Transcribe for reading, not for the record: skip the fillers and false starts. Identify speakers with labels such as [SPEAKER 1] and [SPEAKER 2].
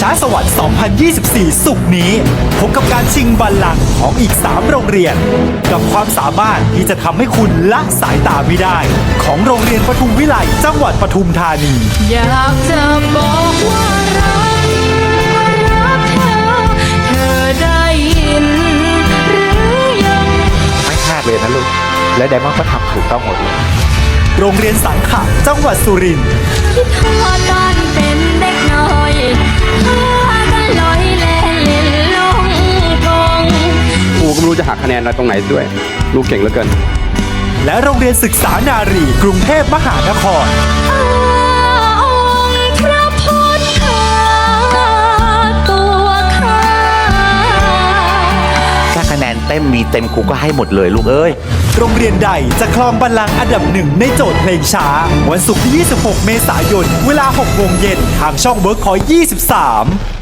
[SPEAKER 1] ช้าสวรรค์ 2024 ศุกร์นี้พบกับการชิงบัลลังก์ของอีก 3 โรงเรียน กับความสามารถที่จะทำให้คุณละสายตาไม่ได้ ของโรงเรียนปทุมวิไลจังหวัดปทุมธานี
[SPEAKER 2] อยากจะบอกว่ารักเธอ เธอได้ยินหรือยัง
[SPEAKER 3] ไม่พลาดเลยนะลูก และไดมอนด์ก็ทำถูกต้องหมดเลย
[SPEAKER 1] โรงเรียนสังขะจังหวัดสุรินทร์
[SPEAKER 2] คิดทอดตอนเป็นเด็กน้อยพากันลอยแล่นเล่นลงกง
[SPEAKER 4] ครูก็ไม่รู้จะหักคะแนนอะไรตรงไหนด้วย ลูกเก่งเหลือเกิน
[SPEAKER 1] และโรงเรียนศึกษานารีกรุงเทพมหานคร
[SPEAKER 2] องค์พระพุทธตัวข้า
[SPEAKER 3] ถ้าคะแนนเต็มมีเต็มครูก็ให้หมดเลยลูกเอ้ย
[SPEAKER 1] โรงเรียนใดจะครองบัลลังก์อันดับหนึ่งในโจทย์เพลงช้า วันศุกร์ที่ 26 เมษายน เวลา 6 โมงเย็นทางช่องเวิร์คคอย 23